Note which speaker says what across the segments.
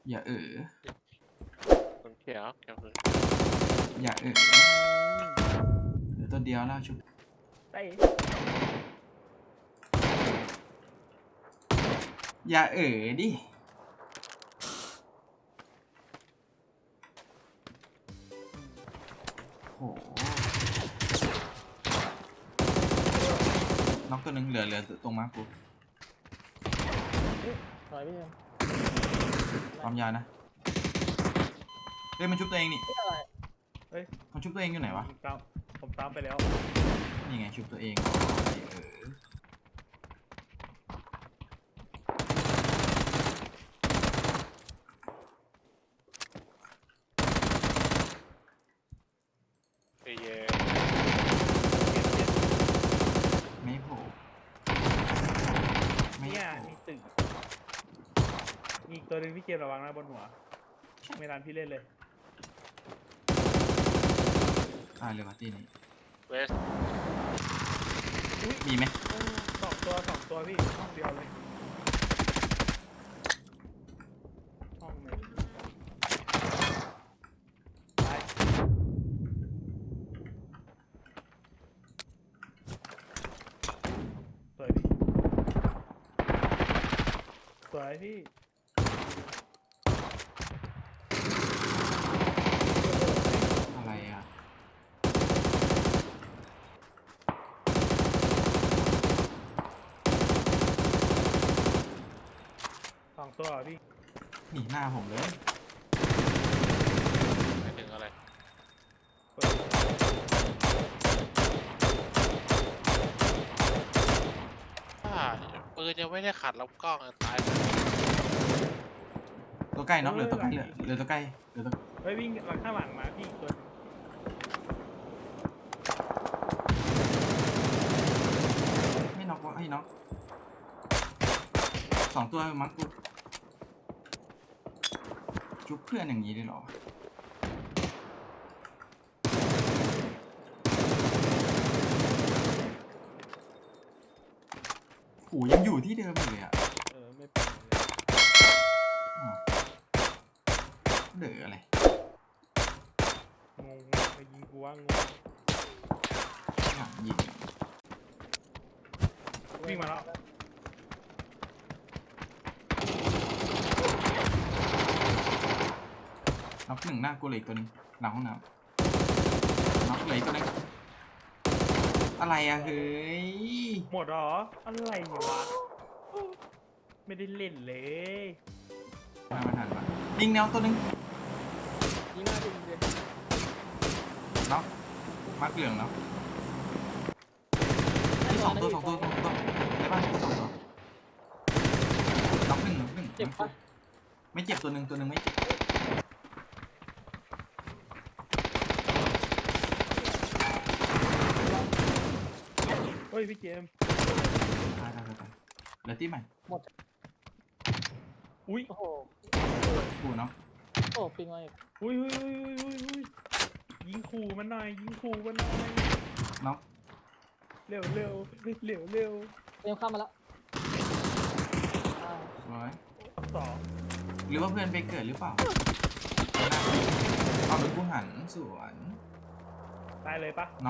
Speaker 1: อย่า
Speaker 2: คนเขียวเขียวคือ
Speaker 1: อย่าเหลือตัวเดียวแล้วชุบ
Speaker 3: ไป
Speaker 1: อย่าดิโหน็อกตัวหนึ่งเหลือตรงมากู
Speaker 3: ถอยไปเลย
Speaker 1: ความยาวนะเฮ้ยมันชุบตัวเองนี่
Speaker 3: อะไร
Speaker 4: เฮ้ย
Speaker 1: มันชุบตัวเองอยู่ไหนวะ
Speaker 4: ผมตามไปแล้ว
Speaker 1: นี่ไงชุบตัวเอง
Speaker 2: เย่
Speaker 1: ไม่โผล่ไม่
Speaker 4: เนี่ย
Speaker 1: โผล่
Speaker 4: มีตึกมีอีกตัวหนึ่งพี่เกมระวังนะบนหัวไม่ทันพี่เล่นเลย
Speaker 1: ตายเลยวะที่นี่
Speaker 2: เวส
Speaker 1: มีไหม
Speaker 4: สองตัวพี่ห้องเดียวเลยห้องหนึ่งไปสวยพี่สวยพี่
Speaker 1: อะไรอ่ะ
Speaker 4: สองตัวเหรอพี่
Speaker 1: หนีหน้าผมเลย
Speaker 2: ไม่ถึงอะไรปืนยังไม่ได้ขัดลำกล้องตาย
Speaker 1: ตัวใกล้น็อกเหลือตัวใกล้เหลือตัวใกล้เหลือตัว
Speaker 4: เฮ้ยวิ่งหลังข้างหลังมาพี่อีกตัวหนึ่ง
Speaker 1: ไม่น็อกวะไอ้น็อกสองตัวมั้งกูจุบเพื่อนอย่างนี้ได้หรอโหยังอยู่ที่เดิมอยู่เลยอ่ะ
Speaker 4: ไม่เป็นไร
Speaker 1: อ่ะเหลืออะไร
Speaker 4: งงไปยิงกูว่างง
Speaker 1: หลังยิง
Speaker 4: วิ่งมาแล้ว
Speaker 1: น็อกหนึ่งหน้ากูเหลยตัวหนึงหลังห้องน้ำน็อกเหลยตัวหนึงอะไรอะเฮ้ย
Speaker 4: หมดเหรออะไรเนี่ยวะไม่ได้เล่นเลย
Speaker 1: มาทันปะยิงแนวตัวหนึง
Speaker 3: ยิงหน้าดิเลย
Speaker 1: น็อกมัดเหลืองเนาะที่สองตัวในบ้านสองตัวน็อกหนึ่ง
Speaker 3: เจ็บปะ
Speaker 1: ไม่เจ็บตัวหนึ่งไม่เจ็บ
Speaker 4: เฮ้ยพี่เจมส์
Speaker 1: ตายเหลือที่ใหม่
Speaker 4: อุ้ย
Speaker 3: โอ้โห
Speaker 1: กูเนาะ
Speaker 3: โอ้ปิงมาอีก
Speaker 4: อุ้ยยิงขู่มันหน่อยยิงขู่มันหน่อย
Speaker 1: น็อก
Speaker 4: เร็ว
Speaker 3: เตรียมข้ามมาแล้ว
Speaker 1: ร้อย
Speaker 4: สอง
Speaker 1: หรือว่าเพื่อนไปเกิดหรือเปล่าเอาหรือกูหันสวน
Speaker 4: ตายเลยปะ
Speaker 1: น็อก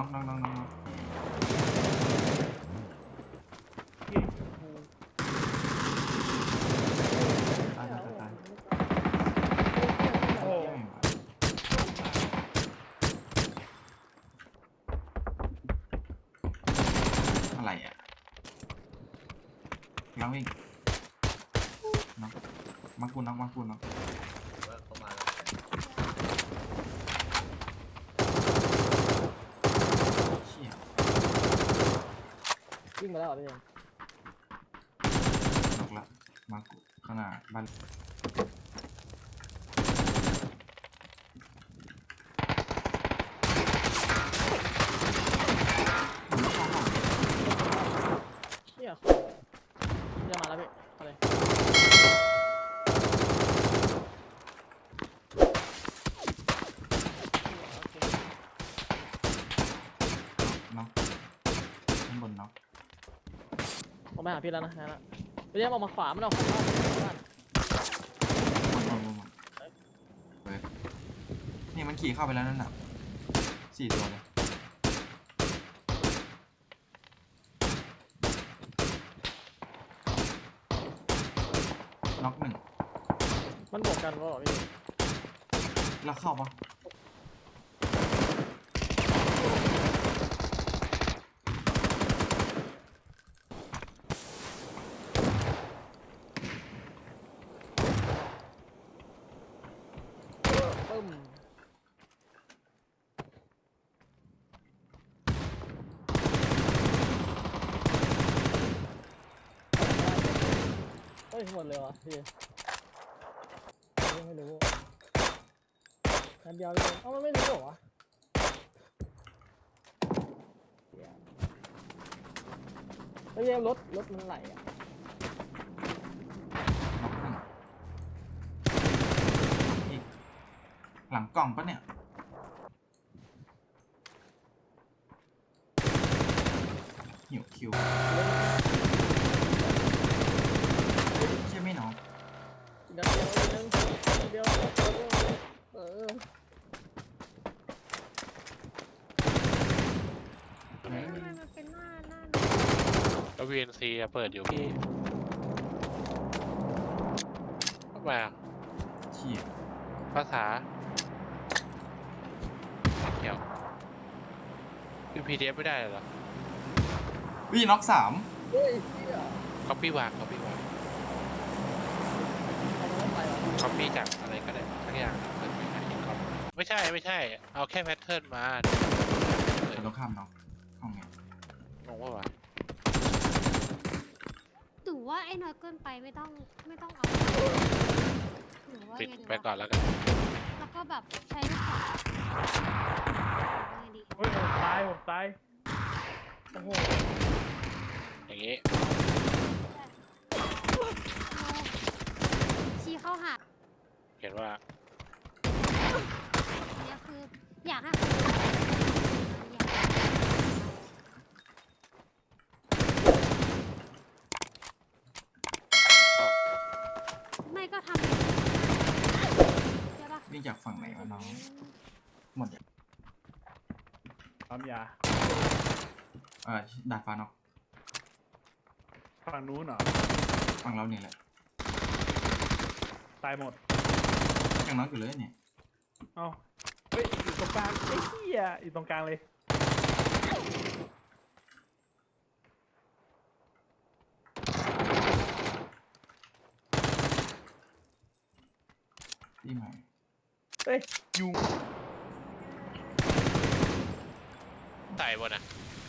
Speaker 4: ยิงขู่
Speaker 1: ตาย
Speaker 4: โอ้
Speaker 1: อะไรอ่ะลังวิ่งน็อกมากูน็อกเชี่ย
Speaker 3: วิ่งมาแล้วเหรอพี่เจม
Speaker 1: น็อกละมากูข้างหน้าบ้าน
Speaker 3: เชี่ยจะมาแล้วพี่เอาเลย
Speaker 1: น็อกข้างบนน็อก
Speaker 3: ผมไปหาพี่แล้วนะพี่เจมออกมาขวามันออกขวาบ้าน
Speaker 1: หมดมันขี่เข้าไปแล้วนั่นน่ะ4 ตัวเลยน็อก1
Speaker 3: มันบวกกันก็พี่
Speaker 1: แล้วเข้าปะ
Speaker 3: ปึ้มเฮ้ยหมดเลยวะพี่ยังไม่รู้นัดเดียวเลยเอ้ามันไม่รู้เหรอวะเฮ้ยรถมันไหลอ่ะ
Speaker 1: น็อก1อีกหลังกล่องปะเนี่ยหิวคิวเชี่ยไม่น็อก
Speaker 3: นัดเดียวนึงนัดเดียวเออ
Speaker 5: ทำไมมันเป็นหน้า
Speaker 2: แล้ว VNC อะเปิดอยู่พี่ทำไมอะ
Speaker 1: เชี่ย
Speaker 2: ภาษาเกี่ยวคือ PDF ไม่ได้เหรอ
Speaker 1: วิ่น็อก3
Speaker 3: เฮ้ยเหี้ย
Speaker 2: copy วาง copy วาง
Speaker 3: เอามันไปวะ
Speaker 2: copy จากอะไรก็ได้สักอย่างเปิดไปให้ copy ไม่ใช่ เอาแค่แพทเทิร์นมา
Speaker 1: จะต้องข้ามน็อกห้องไง
Speaker 2: งงว่าวะ
Speaker 5: หรือว่าไอ้น้อยเกินไปไม่ต้องเอาหรือว่า
Speaker 2: ปิด
Speaker 5: ไงดี
Speaker 2: ไป
Speaker 5: วะ
Speaker 2: ก่อนแล้วกัน
Speaker 5: แล้วก็แบบใช้ลูกศรยังไงดี
Speaker 4: เฮ้ยผมตายโอ้โห
Speaker 2: อย่างงี้
Speaker 5: ชี้เข้าหา
Speaker 2: เห็นว่า
Speaker 5: เนี่ยคืออยากให้เขาไม่ก็ทำใช่ปะ
Speaker 1: วิ่งจากฝั่งไหนวะน้องหมดยัง
Speaker 4: ปั๊มยา
Speaker 1: ดาดฟ้าน็อก
Speaker 4: ฝั่งนู้นเหรอ
Speaker 1: ฝั่งเราเนี่ยแหละ
Speaker 4: ตายหมด
Speaker 1: ยังน็อกอยู่เลยเนี่ย
Speaker 4: เอ้าเฮ้ยอยู่ตรงกลางไอ้เหี้ยอยู่ตรงกลางเลย
Speaker 1: ที่ใหม่
Speaker 4: เฮ้ยยุง
Speaker 2: ใส่บนอ่ะ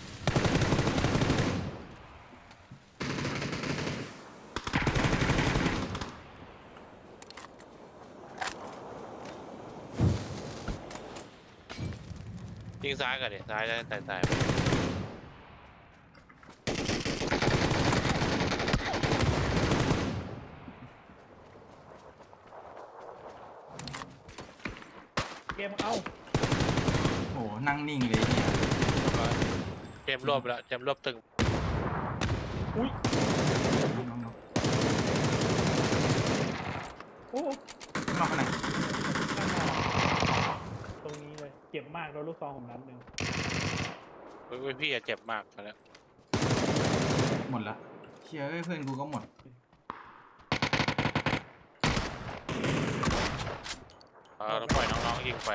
Speaker 2: ยิงซ้ายก่อนดิซ้ายแล้วใส่
Speaker 4: เกมเอ้า
Speaker 1: โอ้นั่งนิ่งเลยเนี่ย
Speaker 2: เกมรวบแล้วเกมรวบตึง
Speaker 4: อุ้ย
Speaker 1: น้องน็อก
Speaker 4: โอ้
Speaker 1: น็อกไปไหน
Speaker 4: ข้างหน้าตรงนี้เลยเจ็บมากโดนลูกซองผมนัดหนึ่ง
Speaker 2: เฮ้ยพี่อะเจ็บมากแล้ว
Speaker 1: หมดละเชี่ยเอ้ยเพื่อนกูก็หมด
Speaker 2: ต้องปล่อยน้องๆยิงไป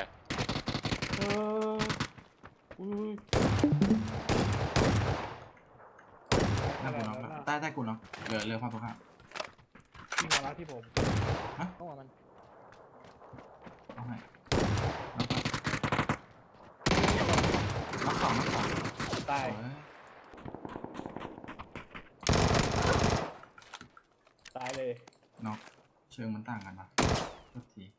Speaker 4: อุ้ย
Speaker 1: หน้ากูน็อกละใต้กูน็อกเหลือความตรงข้าม
Speaker 4: ที่มาแล้วที่ผม
Speaker 3: ต้องเอามัน
Speaker 1: เอาให้น็อก2น็อก2
Speaker 4: ตาย
Speaker 1: โอ้ย
Speaker 4: ตายเลย
Speaker 1: น็อกเชิงมันต่างกันปะทุกที